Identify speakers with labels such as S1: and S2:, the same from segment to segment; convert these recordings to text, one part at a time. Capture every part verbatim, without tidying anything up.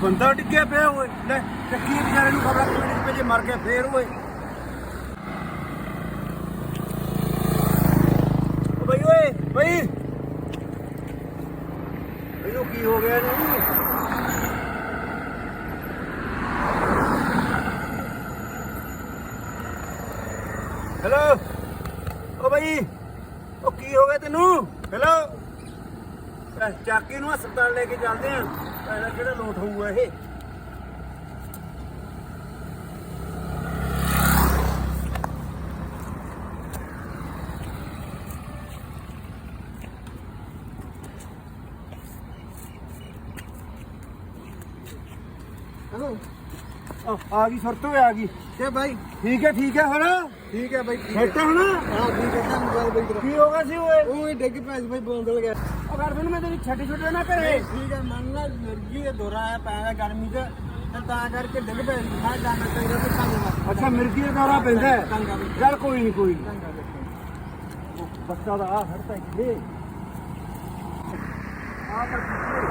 S1: ਬੰਦਾ ਡਿੱਗਿਆ ਪਿਆ ਓਏ ਲੈ ਚੱਕੀ ਵਿਚਾਰੇ ਨੂੰ ਖਬਰਾਂ ਕਮੇਟੀ ਚ ਭੇਜੇ ਮਰ ਗਿਆ ਫੇਰ ਓਏ ਓ ਬਈ ਓਏ ਬਈ ਇਹਨੂੰ ਕੀ ਹੋ ਗਿਆ ਇਹਨੂੰ ਹੈਲੋ ਓ ਬਈ ਓ ਕੀ ਹੋ ਗਿਆ ਤੈਨੂੰ ਹੈਲੋ ਚਾਕੀ ਨੂੰ ਹਸਪਤਾਲ ਲੈ ਕੇ ਚੱਲਦੇ ਆ ਇਹਦਾ ਕਿਹੜਾ ਲੋਟ ਹੋਊਗਾ ਇਹ
S2: हेलो
S1: ਆ ਗਈ ਸੁਰਤ ਹੋਏ ਆ ਗਈ
S2: क्या भाई
S1: ਠੀਕ ਹੈ ਠੀਕ ਹੈ ਹੁਣ
S2: ठीक है भाई ठीक है
S1: ਸੈੱਟ ਹੁਣ
S2: हाँ ठीक है क्या मोबाइल भाई तेरा
S1: ਕੀ ਹੋ ਗਿਆ ਸੀ ਓਏ
S2: वो डिग पे भाई बोंदल गया
S1: ਉਹ ਘਰ ਮੈਨੂੰ ਮੈਂ ਤੇਰੀ ਛੱਟੀ ਛੁੱਟੀ ਨਾ ਕਰੇ
S2: ठीक है मन ना मिर्गी है दोरा है पैदा गर्मी से ਤੇ ਤਾਂ ਕਰਕੇ ਡਿੱਗ ਪੈ ਮੈਂ ਜਾਣਾ ਚਾਹੀਦਾ ਤੇ ਕੰਮ
S1: ਅੱਛਾ ਮਿਰਗੀ ਦਾ ਦੌਰਾ ਪੈਂਦਾ ਹੈ
S2: ਚੰਗਾ ਵੀ
S1: ਚੱਲ ਕੋਈ ਨਹੀਂ ਕੋਈ ਨੀ।
S2: ਚੰਗਾ ਵੇਖੋ
S1: ਉਹ ਬੱਚਾ ਦਾ ਆ ਹੜਤਾ ਇੱਥੇ ਆ ਤਾਂ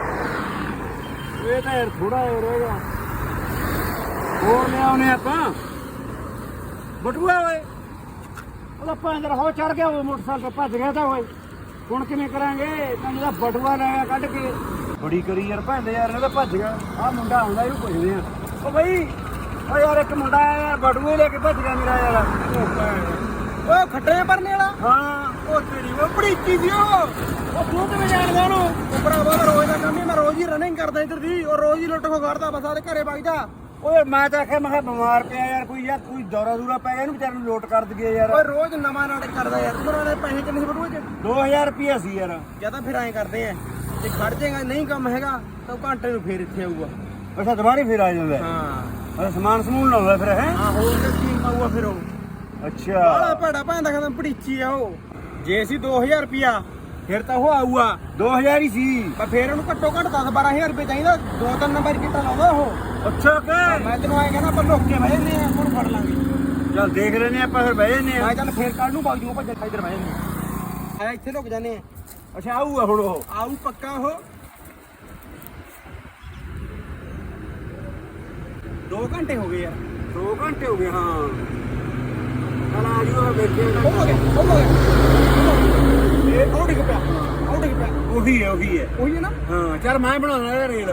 S1: ਇਹ ਤਾਂ ਯਾਰ ਥੋੜਾ ਹੋ ਰਹੇਗਾ ਹੋਰ ਲਿਆਉਣੇ ਆਪਾਂ ਬਟੂਆ ਓਏ ਉਹਦਾ ਪੰਦਰ ਹੋ ਚੜ ਗਿਆ ਉਹ ਮੋਟਰਸਾਈਕਲ ਤੇ ਭੱਜ ਗਿਆ ਤਾਂ ਓਏ ਹੁਣ ਕਿਵੇਂ ਕਰਾਂਗੇ ਤੈਨੂੰ ਦਾ ਬਟੂਆ ਲਾਇਆ ਕੱਢ ਕੇ ਬੜੀ ਕਰੀ ਯਾਰ ਭੰਦੇ ਯਾਰ ਇਹ ਤਾਂ ਭੱਜ ਗਿਆ ਆ ਮੁੰਡਾ ਆਉਂਦਾ ਇਹਨੂੰ ਪੁੱਛਦੇ ਆ ਓ ਬਈ ਓ ਯਾਰ ਇੱਕ ਮੁੰਡਾ ਆਇਆ ਯਾਰ ਬਟੂਏ ਲੈ ਕੇ ਭੱਜ ਗਿਆ ਮੇਰਾ ਯਾਰ
S2: ਉਹ ਖੱਟੇ ਭਰਨੇ ਵਾਲਾ
S1: ਹਾਂ
S2: ਉਹ ਤੇਰੀ ਉਹ ਬੜੀ ਚੀਜ਼ ਉਹ
S1: ਉਹ ਤੂੰ ਕਿਵੇਂ ਜਾਣਦਾ ਉਹਨੂੰ
S2: ਉਹ ਭਰਾਵਾ ਦਾ ਰੋਜ਼ ਦਾ ਕੰਮ ਹੀ ਮੈਂ ਰੋਜ਼ ਹੀ ਰਨਿੰਗ ਕਰਦਾ ਇੱਧਰ ਦੀ ਉਹ ਰੋਜ਼ ਹੀ ਲੁੱਟ ਖੋ ਕਰਦਾ ਬਸ ਆਦੇ ਘਰੇ ਵਗਦਾ
S1: ਓਏ ਮੈਂ ਤਾਂ ਆਖਿਆ ਮੈਂ ਕਿਹਾ ਬਿਮਾਰ ਪਿਆ ਯਾਰ ਕੋਈ ਯਾਰ ਕੋਈ ਦੌਰਾ ਦੂਰਾ ਪੈ ਗਿਆ ਇਹਨੂੰ ਵਿਚਾਰੇ ਨੂੰ ਲੋਟ ਕਰ ਦਈਏ ਯਾਰ
S2: ਓਏ ਰੋਜ਼ ਨਵਾਂ ਨਾਟਕ ਕਰਦਾ ਯਾਰ ਤੂੰ ਨਾਲੇ ਪੈਸੇ ਕਿੰਨੇ ਸੀ ਬਟੂਏ ਚ
S1: ਦੋ ਹਜ਼ਾਰ ਰੁਪਇਆ ਸੀ ਯਾਰ
S2: ਜਾਂ ਤਾਂ ਫਿਰ ਐਂ ਕਰਦੇ ਆ ਜੇ ਖੜ ਜਾਏਗਾ ਨਹੀਂ ਕੰਮ ਹੈਗਾ ਤਾਂ ਉਹ ਘੰਟੇ ਨੂੰ ਫੇਰ ਇੱਥੇ ਆਊਗਾ
S1: ਅੱਛਾ ਦੁਬਾਰੇ ਫਿਰ ਆ ਜਾਂਦਾ
S2: ਹਾਂ
S1: ਅੱਛਾ ਸਮਾਨ ਸਮੂਨ ਲਾਉਂਦਾ ਫਿਰ ਹੈ
S2: ਹਾਂ ਹੋਰ ਤੇ ਕੀ ਪਾਊਗਾ ਫਿਰ ਉਹ
S1: ਅੱਛਾ
S2: ਬਾਲਾ ਭੜਾ ਭਾਂਦਾ ਖਤਮ ਪੜੀਚੀ ਆ ਉਹ ਜੇ ਸੀ ਦੋ ਹਜ਼ਾਰ ਰੁਪਿਆ ਫਿਰ ਤਾਂ ਉਹ ਆਊਗਾ
S1: ਦੋ ਹਜ਼ਾਰ ਹੀ ਸੀ
S2: ਪਰ ਫਿਰ ਉਹਨੂੰ ਘੱਟੋ ਘੱਟ ਦਸ ਬਾਰਾਂ ਹਜ਼ਾਰ ਰੁਪਏ ਚਾਹੀਦਾ ਦੋ ਤਿੰਨ ਨੰਬਰ ਕਿੱਟਾ ਲਾਉਂਦਾ ਉਹ
S1: ਅੱਛਾ ਕਿ
S2: ਮੈਂ ਤੈਨੂੰ ਆਏ ਕਹਿੰਦਾ ਆਪਾਂ ਲੁੱਕ ਕੇ ਬਹਿ ਜੰਨੇ ਆ ਹੁਣ ਫੜ ਲਾਂਗੇ
S1: ਚੱਲ ਦੇਖ ਲੈਨੇ ਆਪਾਂ ਫਿਰ ਬਹਿ ਜੰਨੇ ਆ
S2: ਮੈਂ ਚੱਲ ਫੇਰ ਕੱਲ ਨੂੰ ਬਾਗ ਜੂਗਾ ਭੱਜ ਇੱਧਰ ਬਹਿ ਜੰਨੇ ਆ ਇੱਥੇ ਲੁੱਕ ਜਾਂਦੇ ਆ
S1: ਅੱਛਾ ਆਊਗਾ ਹੁਣ ਉਹ
S2: ਆਊ ਪੱਕਾ ਉਹ ਦੋ ਘੰਟੇ ਹੋ ਗਏ ਯਾਰ
S1: ਦੋ ਘੰਟੇ ਹੋ ਗਏ ਹਾਂ ਚੱਲ ਆ ਜੂਗਾ ਵੇਖੇ
S2: ਉਹ ਹੋ ਗਿਆ ਉਹ ਹੋ ਗਿਆ ਇਹ ਉਹ ਡਿੱਗ ਪਿਆ ਉਹ ਡਿੱਗ ਪਿਆ
S1: ਉਹੀ ਹੈ ਉਹੀ ਹੈ
S2: ਉਹੀ ਹੈ ਨਾ
S1: ਹਾਂ ਚੱਲ ਮੈਂ ਬਣਾਉਣਾ ਇਹ ਰੇਲ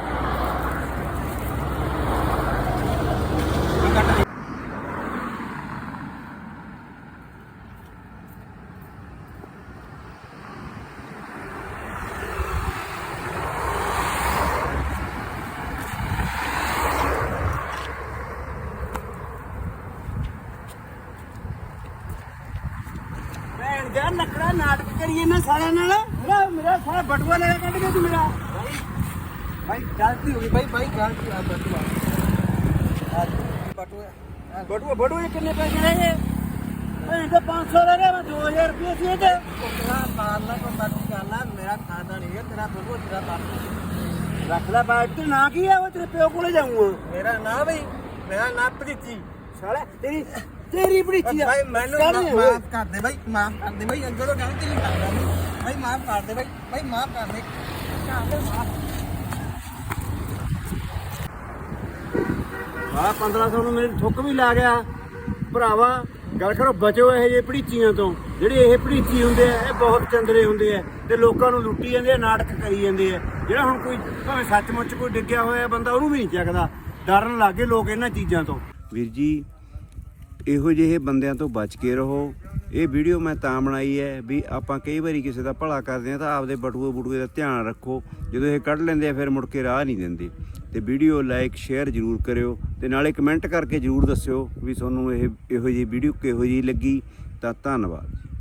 S1: ਭੈਣ ਦਾ ਨਕੜਾ ਨਾਟਕ ਕਰੀਏ ਨਾ ਸਾਰਿਆਂ ਨਾਲ ਮੇਰਾ ਮੇਰਾ ਸਾਰਾ ਬਟੂਆ ਲੈ ਕੇ ਕੱਢ ਗਿਆ ਤੂੰ ਮੇਰਾ
S2: ਭਾਈ ਗਲਤੀ ਹੋ ਗਈ ਭਾਈ ਭਾਈ ਗਲਤੀ ਆ ਬਟੂਆ ਆ ਬਟੂਆ
S1: ਬਟੂਆ ਬਟੂਏ ਕਿੰਨੇ ਪੈਸੇ ਰਹਿ ਗਏ ਭੈਣ ਦਾ ਪੰਜ ਸੌ ਰਹਿ ਗਿਆ ਮੈਂ ਦੋ ਹਜ਼ਾਰ ਰੁਪਏ ਸੀ ਤੇ
S2: ਕੋਕਲਾ ਮਾਰਨਾ ਕੋ ਬਾਕੀ ਕਰਨਾ ਮੇਰਾ ਖਾਣਾ ਨਹੀਂ ਹੈ ਤੇਰਾ ਬਟੂਆ ਤੇਰਾ ਬਾਪ
S1: ਰੱਖ ਲੈ ਬਾਅਦ ਤੇ ਨਾ ਕੀ ਆ ਉਹ ਤੇਰੇ ਪਿਓ ਕੋਲੇ ਜਾਊਂਗਾ
S2: ਮੇਰਾ ਨਾਂ ਬਈ ਮੇਰਾ ਨਾਂ ਪ੍ਰੀਤੀ
S1: ਸਾਲਾ ਤੇਰੀ ਤੇਰੀ ਬੜੀਚੀ ਆ
S2: ਭਾਈ ਮੈਨੂੰ ਮਾਫ ਕਰ ਦੇ ਭਾਈ ਮਾਫ ਕਰ ਦੇ ਭਾਈ ਅੱਗੇ ਤੋਂ ਗਲਤੀ ਨਹੀਂ ਕਰਦਾ ਭਾਈ ਮਾਫ ਕਰ ਦੇ ਭਾਈ ਭਾਈ ਮਾਫ ਕਰ ਦੇ
S1: ਆ ਪੰਦਰਾਂ ਸੌ ਨੂੰ ਮੇਰੇ ਠੁੱਕ ਵੀ ਲਾ ਗਿਆ ਭਰਾਵਾ ਗੱਲ ਕਰੋ ਬਚੋ ਇਹ ਜੇ ਭੜੀਚੀਆਂ ਤੋਂ ਜਿਹੜੇ ਇਹ ਭੜੀਚੀ ਹੁੰਦੇ ਆ ਇਹ ਬਹੁਤ ਚੰਦਰੇ ਹੁੰਦੇ ਆ ਤੇ ਲੋਕਾਂ ਨੂੰ ਲੁੱਟੀ ਜਾਂਦੇ ਆ ਨਾਟਕ ਕਰੀ ਜਾਂਦੇ ਆ ਜਿਹੜਾ ਹੁਣ ਕੋਈ ਭਾਵੇਂ ਸੱਚਮੁੱਚ ਕੋਈ ਡਿੱਗਿਆ ਹੋਇਆ ਬੰਦਾ ਉਹਨੂੰ ਵੀ ਨਹੀਂ ਚੱਕਦਾ ਡਰਨ ਲੱਗੇ ਲੋਕ ਇਹਨਾਂ ਚੀਜ਼ਾਂ ਤੋਂ ਵੀਰ ਜੀ ਇਹੋ ਜਿਹੇ ਬੰਦਿਆਂ ਤੋਂ ਬਚ ਕੇ ਰਹੋ ਇਹ ਵੀਡੀਓ ਮੈਂ ਤਾਂ ਬਣਾਈ ਹੈ ਵੀ ਆਪਾਂ ਕਈ ਵਾਰੀ ਕਿਸੇ ਦਾ ਭਲਾ ਕਰਦੇ ਹਾਂ ਤਾਂ ਆਪਦੇ ਬਟੂਏ ਬਟੂਏ ਦਾ ਧਿਆਨ ਰੱਖੋ ਜਦੋਂ ਇਹ ਕੱਢ ਲੈਂਦੇ ਆ ਫਿਰ ਮੁੜ ਕੇ ਰਾਹ ਨਹੀਂ ਦਿੰਦੇ ਤੇ ਵੀਡੀਓ ਲਾਈਕ ਸ਼ੇਅਰ ਜ਼ਰੂਰ ਕਰਿਓ ਤੇ ਨਾਲੇ ਕਮੈਂਟ ਕਰਕੇ ਜ਼ਰੂਰ ਦੱਸਿਓ ਵੀ ਤੁਹਾਨੂੰ ਇਹ ਇਹੋ ਜਿਹੀ ਵੀਡੀਓ ਕਿਹੋ ਜਿਹੀ ਲੱਗੀ ਤਾਂ ਧੰਨਵਾਦ।